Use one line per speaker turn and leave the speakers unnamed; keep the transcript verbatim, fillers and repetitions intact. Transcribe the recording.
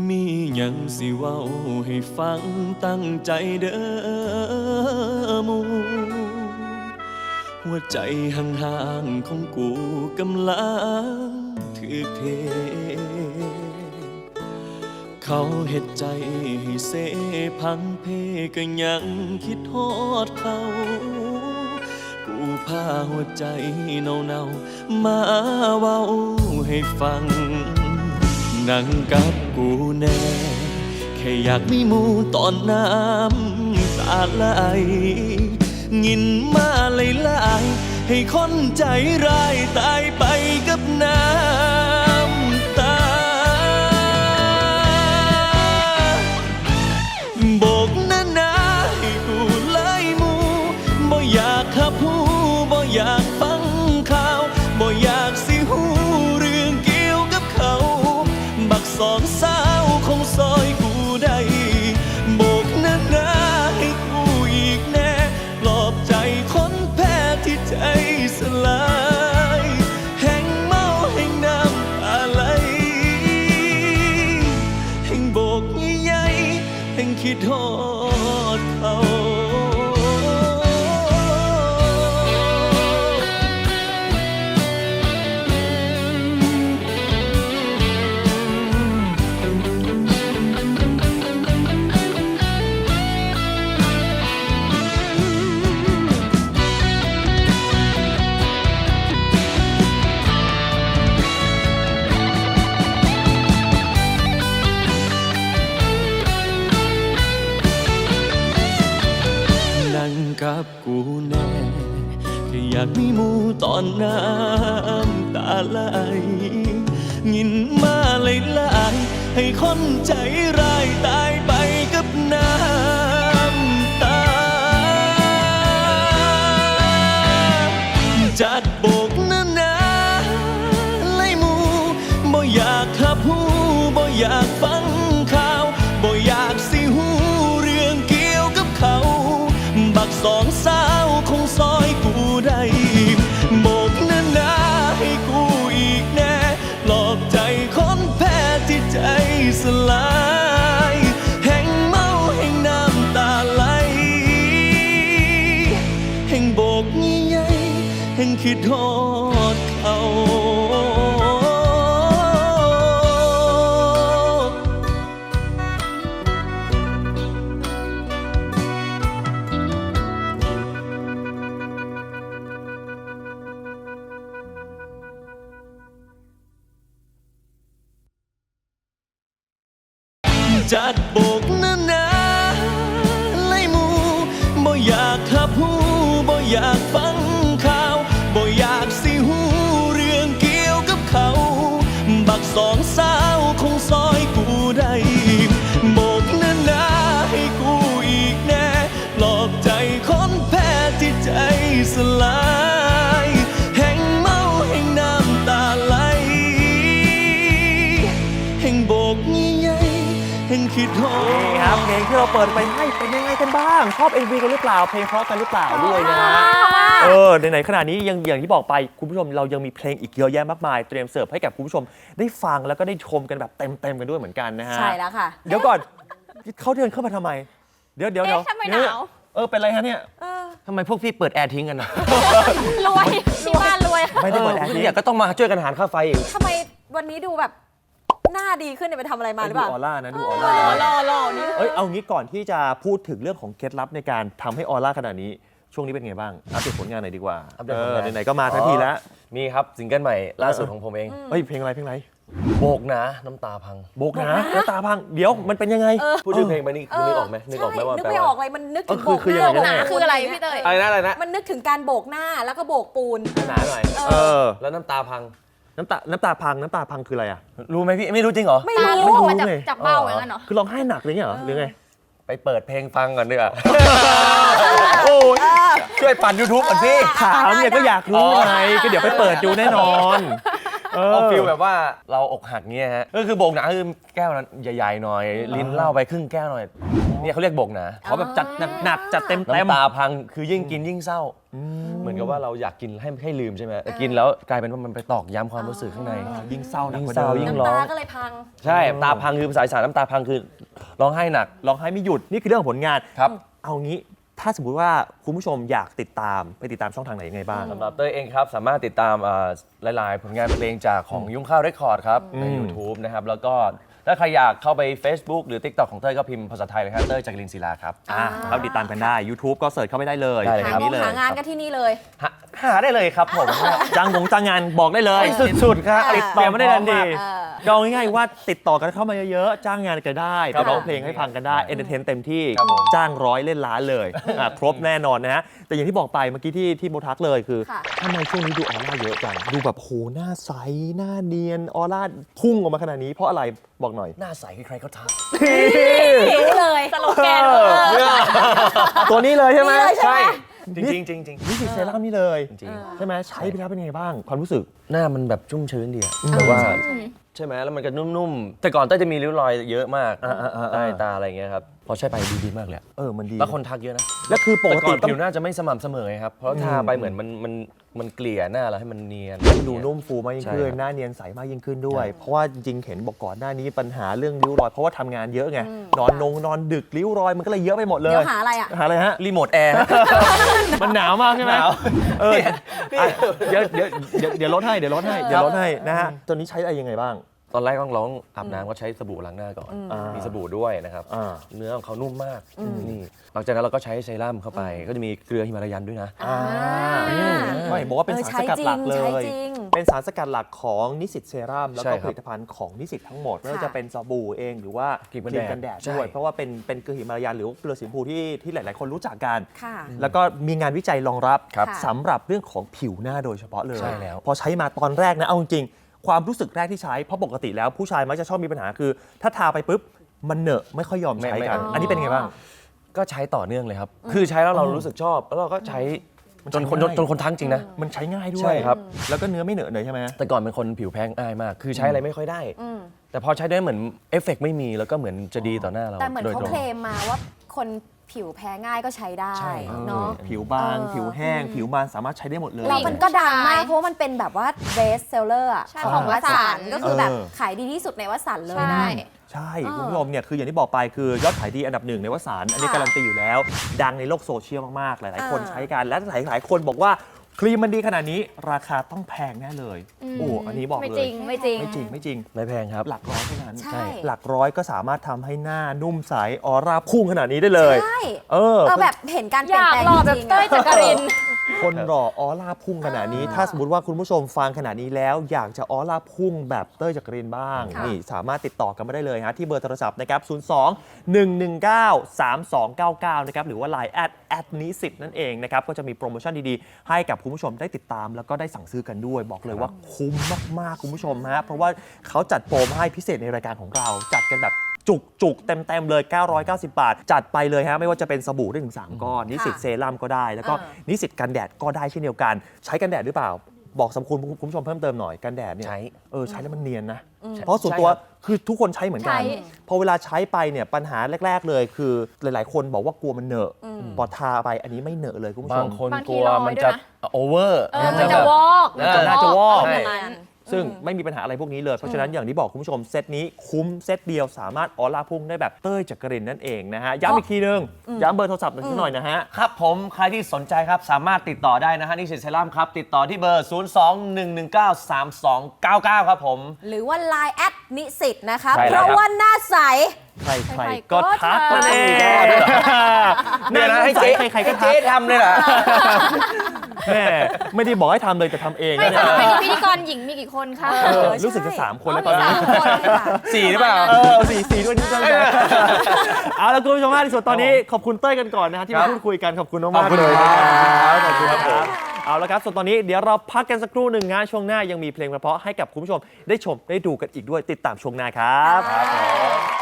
มีหยังสิเว้าให้ฟังตั้งใจเด้อหมู่หัวใจห่างๆของกูกำลังถือเทเขาเฮ็ดใจให้เสพังเพก็ยังคิดฮอดเขากูพาหัวใจเนาๆมาเว้าให้ฟังนั่งกับกูแน่แค่อยากมีหมู่ตอนน้ำตาไหลงินมาไหลๆให้คนใจร้ายตายไปกับน้ำตาโบกหน้าหนาให้กูเลยหมู่บ่อยากขับหูบ่อยากฟังข่าวบ่อยากสิหูเรื่องเกี่ยวกับเขาบักสองสาวคงซอยกูได้โบกหน้าหนาให้กูอีกแน่ปลอบใจคนแพ้ที่ใจสลายแห่งเมาแห่งน้ำตาไหลแห่งโบกใหญ่ๆแห่งคิดฮอดเขากับกูแน่แค่อยากมีหมู่ตอนน้ำตาไหลงินมาไหลๆให้คนใจร้ายตายไปกับน้ำตาจัดโบกหน้าหนาไล่หมู่บ่อยากขับหูบ่อยากฟังข่าวบ่อยากสิหูเรื่องเกี่ยวกับเขาบักสองสาวคงซอยกูได้โบกหน้าหนาให้กูอีกแน่ปลอบใจคนแพ้ที่ใจสลายแห่งเมาแห่งน้ำตาไหลแห่งโบกใหญ่ๆแห่งคิดฮอดเขาจัดโบกหน้าหนาไล่หมู่บ่อยากขับหูบ่อยากฟังข่าวบ่อยากสิหูเรื่องเกี่ยวกับเขาบักสองสาวคงซอยกูได้โบกหน้าหนาให้กูอีกแน่ปลอบใจคนแพ้ที่ใจสลายแห่งเมาแห่งน้ำตาไหลแห่งโบกใหญ่นี่
ครับเพลงที่เราเปิดไปให้เป็นยังไงกันบ้างชอบ เอ็ม วี กันหรือเปล่าเพลงเพราะกันหรือเปล่าด้วยนะฮะเออไหนๆขนาดนี้ยังอย่างที่บอกไปคุณผู้ชมเรายังมีเพลงอีกเยอะแยะมากมายเตรียมเสิร์ฟให้กับคุณผู้ชมได้ฟังแล้วก็ได้ชมกันแบบเต็มๆกันด้วยเหมือนกันนะฮะ
ใช่แล้วค่ะ
เดี๋ยวก่อนเขาเดินเข้ามาทำไมเดี๋ยวเดี๋ยวเดี๋ยว
ทำไมหนาว
เออเป็นไรฮะเนี่ย
ทำไมพวกพี่เปิดแอร์ทิ้งกันนะ
รวยที่บ้านรวย
ไม่ได้เปิดแอร์ทิ้ง
ก็ต้องมาช่วยกันหารค่าไฟอีก
ทำไมวันนี้ดูแบบหน้าดีขึ้นเนี่ยไปทำอะไรมาหรือเปล่า
ดูออร่านะดูออร่า
หล่อหล่อนี่
เอ้ยเอางี้ก่อนที่จะพูดถึงเรื่องของเคล็ดลับในการทำให้ออร่าขนาดนี้ช่วงนี้เป็นไงบ้างอัปเดตผลงานหน่อยดีกว่าเออไหนๆก็มาทั้งทีแล้ว
มีครับซิงเกิลใหม่ล่าสุดของผมเอง
เฮ้ยเพลงอะไรเพลงอะไร
โบกนะน้ำตาพัง
โบกนะน้ำตาพังเดี๋ยวมันเป็นยังไง
พูดถึงเพลงไปนี่นึกออกไหมนึกออกไหมว่า
นึกไม่ออกเลยมันนึกถึงโบกหน้าคืออะไรพี่เตย
อะไรนะอะไรนะ
มันนึกถึงการโบกหน้าแล้วก็โบกปูน
หนาหน่อย
เออ
แล้วน้ำตาพัง
น้ำตาน้ำตาพังน้ำตาพังคืออะไรอ่ะ
รู้ไหมพี่ไม่รู้จริงเหรอ
ไม่รู้
ไม่รู้
เลยจับเบ้าอย่างนั้นเหรอ
คือร้องไห้หนักเลยเนี่ยเหรอหรือไง
ไปเปิดเพลงฟังก่อนดีกว่าโอ้ยช่วยปั่น ยูทูบ ก่อนพี่
ถามเนี่ยก็อยากรู้ไงก็เดี๋ยวไปเปิดดูแน่นอน
เอาฟีลแบบว่าเราอกหักเงี้ยฮะก็คือโบกหนาคือแก้วนั้นใหญ่ๆหน่อยลิ้นเหล้าไปครึ่งแก้วหน่อยเนี่ยเขาเรียกโบกหนา
เขาแบบจัดหนักจัดเต็ม
น้ำตาพังคือยิ่งกินยิ่งเศร้าเหมือนอนกับว่าเราอยากกินให้ให้ลืมใช่ไหมแต่กินแล้วกลายเป็นว่ามันไปตอกย้ำความรู้สึกข้างใน
ยิ่งเศร้าหนัก
ยิ่ง
กว่า
เศร้า
เดิม
ยิ่ง
น้ำตาก็เลยพัง
ใช่ตาพังคือภาษาอีสานน้ำตาพังคือร้องไห้หนัก
ร้องไห้ไม่หยุดนี่คือเรื่องของผลงาน
ครับ
เอางี้ถ้าสมมุติว่าคุณผู้ชมอยากติดตามไปติดตามช่องทางไหนยังไงบ้าง
สำหรับเต้ยเองครับ สามารถติดตามอ่าหลาย ๆ ผลงานเพลงจากของยุ้งข้าวเรคคอร์ดครับ ใน
อืม
YouTube นะครับ แล้วก็ถ้าใครอยากเข้าไป Facebook หรือ TikTok ของเต้ยก็พิมพ์ภาษาไทยเลยครับเต้ยจักรินศิลาครับ
อ่าเข้าติดตามกันได้ YouTube ก็เสิร์ชเข้าไปได้เลย
ได้เลย
หา
ครับ
งงหางานก็ที่นี่เลย
หาหาได้เลยครับผม
จ้างงงจ้างงานบอกได้เลย
สุดๆครับ
ติดต่อไม่ได้ทันที
เออ
ก็เอาง่ายๆว่าติดต่อกันเข้ามาเยอะๆ จ้างงานกันได้
ครั
ไป
บ
ร้องเพลงให้ฟังกันได้ เอนเตอร์เทนเต็มที่
ครับผม
จ้างร้อยเล่นล้านเลยอ่ะครบแน่นอนนะฮะ แต่อย่างที่บอกไปเมื่อกี้ที่ที่โบทักเลยคือ
ค่ะ
ทำไมช่วงนี้ดูออร่าเยอะจัง ดูแบบโหหน้าใส หน้าเนียน ออร่าพุ่งออกมาขนาดนี้เพราะอะไรบอกหน่อย
หน้าใสใครๆก็ทัก
รู้เลยสโลแกน
เออ ตัวนี้เลยใช่ไหม
นี่เลยใช่ไหม
จริงๆจริงๆจริง
นี่สิเซรั่มนี่เลย
ๆจริง
ใช่ไหมใช้ไปแล้วเป็นไงบ้าง ความรู้สึก
ๆหน้ามันแบบชุ่มชื้นดีอะแบบว่าใช่ไหมแล้วมันก็นุ่มๆ แต่ก่อนเต้ยจะมีริ้วรอยเยอะมาก
อ่าๆๆๆ
ใต้ตาอะไรอย่างเงี้ยครับพอใช้ไปดีดีมากเลยอะ
เออมันดี
แล้วคนทักเยอะนะ
แล้วคือปก
แต่ก่
ติ
อน
ต้อง
ผิวหน้าจะไม่สม่ำเสมอไงครับ เพราะทาไปเหมือนมันมันมันเกลี่ยหน้าเราให้มันเนียน
ดูนุ่มฟูมากยิ่ง
ใช่
ขึ้น
ครับ
หน้าเนียนใสมากยิ่งขึ้นด้วย เพราะว่าจริงๆเห็นบอกก่อนหน้านี้ปัญหาเรื่องริ้วรอย เพราะว่าทำงานเยอะไง นอนนงนอนดึกริ้วรอยมันก็เลยเยอะไปหมดเลย
เดี๋ยวหาอะไรอ่ะ
หาอะไรฮะ
รีโมทแอร์
มันหนาวมากใช่ไหม
หนาว
เอออ่ะเดี๋ยวเดี๋ยวเดี๋ยวเดี๋ยวลดให้เดี๋ยวลดให้เดี๋ยวลดให้นะฮะตอนนี้ใช้อะไรยังไงบ้าง
ตอนแรกต้องร้องอาบน้ำก็ใช้สบู่ล้างหน้าก่อน
อ่ามี
มีสบู่ด้วยนะครับ
อ่า
เนื้อของเขานุ่มมากนี่หลังจากนั้นเราก็ใช้เซรั่มเข้าไป ก็จะมีเกลือฮิมาลายันด้วยนะ
อ่าไม่บอกว่าเป็น
เออ
สารสกัดหลักเล
ใช้
ย
จริง
เป็นสารสกัดหลักของนิสิตเซรั่มแล้ว
ใช่
ก็
ค
ผ
รับ
ลิตภัณฑ์ของนิสิตทั้งหมดไม่ว่า
ค่ะ
จะเป็นสบู่เองหรือว่า
ครีมกันแดด
กันแดด
ใช่
ด้วยเพราะว่าเป็นเป็นเกลือหิมาลายันหรือว่าเกลือสีชมพูที่ที่หลาย ๆ คนรู้จักกัน
ค่ะ
แล้วก็มีงานวิจัยรองรับ
ครับ
สำหรับเรื่องของผิวหน้าโดยเฉพาะเลย
ใช่แล้ว
พอใช้มาตอนแรกนะเอาจริงๆความรู้สึกแรกที่ใช้เพราะปกติแล้วผู้ชายมักจะชอบมีปัญหาคือ ถ้าทาไปปุ๊บมันเหนอะไม่ค่อยยอมใช้กัน
ไม่ไม่
อันนี้เป็นไงบ้าง
ก็ใช้ต่อเนื่องเลยครับ คือใช้แล้วเรารู้สึกชอบ แล้วเราก็ใช้จนคน
มันใช้ง่าย
จนคนทั้งจริงนะ
มันใช้ง่ายด้วย
ใช่ครับ
แล้วก็เนื้อไม่เหนอะเลยใช่ไหม
แต่ก่อนเป็นคนผิวแพ้ง่ายมาก คือใช้อะไรไม่ค่อยได้
อืม
แต่พอใช้ได้เหมือนเอฟเฟกต์ไม่มี แล้วก็เหมือนจะดีต่อหน้าเรา
แต่เหมือน
โดย
เขา
ตรง
เคลมมาว่าคนผิวแพ้ง่ายก็ใช้ได้
ใช่
เนาะ
ผิวบาง
เออ
ผิวแห้ง ผิวมันสามารถใช้ได้หมดเลย
แล้วมันก็ดังมากเพราะว่ามันเป็นแบบว่า best seller อะ
ใช่
ของวสันต์
เออ
ก็คือแบบ
เออ
ขายดีที่สุดในวสันต์เลย
ใช่
นะ
ใช่
เออ
คุณผู้ชมเนี่ยคืออย่างที่บอกไปคือยอดขายดีอันดับหนึ่งในวสานต์อันนี้
ค่ะ
การันตีอยู่แล้ว ดังในโลกโซเชียลมากๆ หลายๆ คน
อ่า
ใช้กัน และหลายๆ คนบอกว่าครีมมันดีขนาดนี้ราคาต้องแพงแน่เลย โอ้อันนี้บอก
ไม่
เล
จริ
ย
งไม่จริง
ไม่จริงไม่จริง
ไม่แพงครับ
หลักร้อยเท่านั้น
ใช่
หลักร้อยก็สามารถทำให้หน้านุ่มใสออร่าพุ่งขนาดนี้ได้เลย
ใช่
เออ
เออแบบเห็นการเป
อ
ลี่ยน
ยาก
แปลง
หล่อแบ
จ
บ
ริงๆ
เต้ย
อะ
จักริน
คนหล่อออร่าพุ่งขนาดนี้ ถ้าสมมติว่าคุณผู้ชมฟังขนาดนี้แล้ว อยากจะออร่าพุ่งแบบเต้ยจักรินบ้าง
ค่ะ
นี่สามารถติดต่อกันมาได้เลยฮะที่เบอร์โทรศัพท์นะครับ ศูนย์ สอง หนึ่ง หนึ่ง เก้า สาม สอง เก้า เก้า นะครับหรือว่า ไลน์ แอด แอด นิสิตนั่นเองนะครับก็จะมีโปรโมชั่นดีๆ ให้กับคุณผู้ชมได้ติดตามแล้วก็ได้สั่งซื้อกันด้วย บอกเลยว่าคุ้มมากๆคุณผู้ชมฮะเพราะว่าเขาจัดโปรมาให้พิเศษในรายการของเราจัดกันแบบ จุกจุกๆเต็มเต็มๆเลย เก้าร้อยเก้าสิบ บาท จัดไปเลยฮะไม่ว่าจะเป็นสบู่ได้ถึง สาม ก้อน นิสิตเซรั่มก็ได้ แล้วก็
อ่า
นิสิตกันแดดก็ได้เช่นเดียวกัน ใช้กันแดดหรือเปล่า บอกสรรพคุณคุณผู้ชมเพิ่มเติมหน่อยกันแดดเนี่ย
ใช้
เออใช้แล้วมันเนียนนะ เพราะส่วนตัว
ใช่ครับ
คือทุกคนใช้เหมือนกัน
ใช้
พอเวลาใช้ไปเนี่ยปัญหาแรก ๆ เลยคือหลาย ๆ คนบอกว่ากลัวมันเหนอะพอทาไปอันนี้ไม่เหนอะเลยคุณผู้ช
บาง
ม
คน
บาง
ก
ที
ลัว
ลอย
มัน
ด้วย
จะ
นะ
โอเวอร์
เออมันจะวอก
มันน่าจะวอก
เ
ใช่
ประมาณนั้น
ซึ่งไม่มีปัญหาอะไรพวกนี้เลย เพราะฉะนั้นอย่างที่บอกคุณผู้ชมเซตนี้คุ้มเซตเดียวสามารถออร่าพุ่งได้แบบเต้ยจักรินนั่นเองนะฮะย้ำอีกทีนึงย้ำเบอร์โทรศัพท์หน่อยนะฮะ
ครับผมใครที่สนใจครับสามารถติดต่อได้นะฮะนิสิตเซรั่มครับ ติดต่อที่เบอร์ ศูนย์ สอง หนึ่ง หนึ่ง เก้า สาม สอง เก้า เก้า ครับผม
หรือว่า ไลน์ แอด นิสิตนะคะ
ใช่
เพ
แล้ว
ราะ
ครับ
ว่าหน้าใส
ใคร
ใค
ใค
ร
ร
ๆ
ก็
ก็
ทัก
ทัก
นั่นเอง
เนี่ยนะให้เจ๊
ใครๆก็ทั
เจ๊
ก
ทำเลยเหรอ
แม่ไม่ได้บอกให้ทำเลยแต่ทำเอง
ไม่
นะ
ส
เนี่ย
มัยนี้พิธีกรหญิงมีกี่คนคะ
เออรู้สึกจะสามคนแล้วตอนนี้
สามคนค่ะ
สี่หรือเปล่า
เออสี่สี่ด้วยนิดนึงเอาละคุณผู้ชมมากที่สุดตอนนี้ขอบคุณเต้ยกันก่อนนะฮะที่
ครั
มา
บ
พูดคุยกันขอบคุณมาก
ขอบ
ๆ
คุณ
เลย
ครับ
นะครับขอบคุณครับเอาละครับส่วนตอนนี้เดี๋ยวเราพักกันสักครู่หนึ่งนะช่วงหน้ายังมีเพลงเพราะๆให้กับคุณผู้ชมได้ชมได้ดูกันอีกด้วยติดตามช่วงหน้าครับ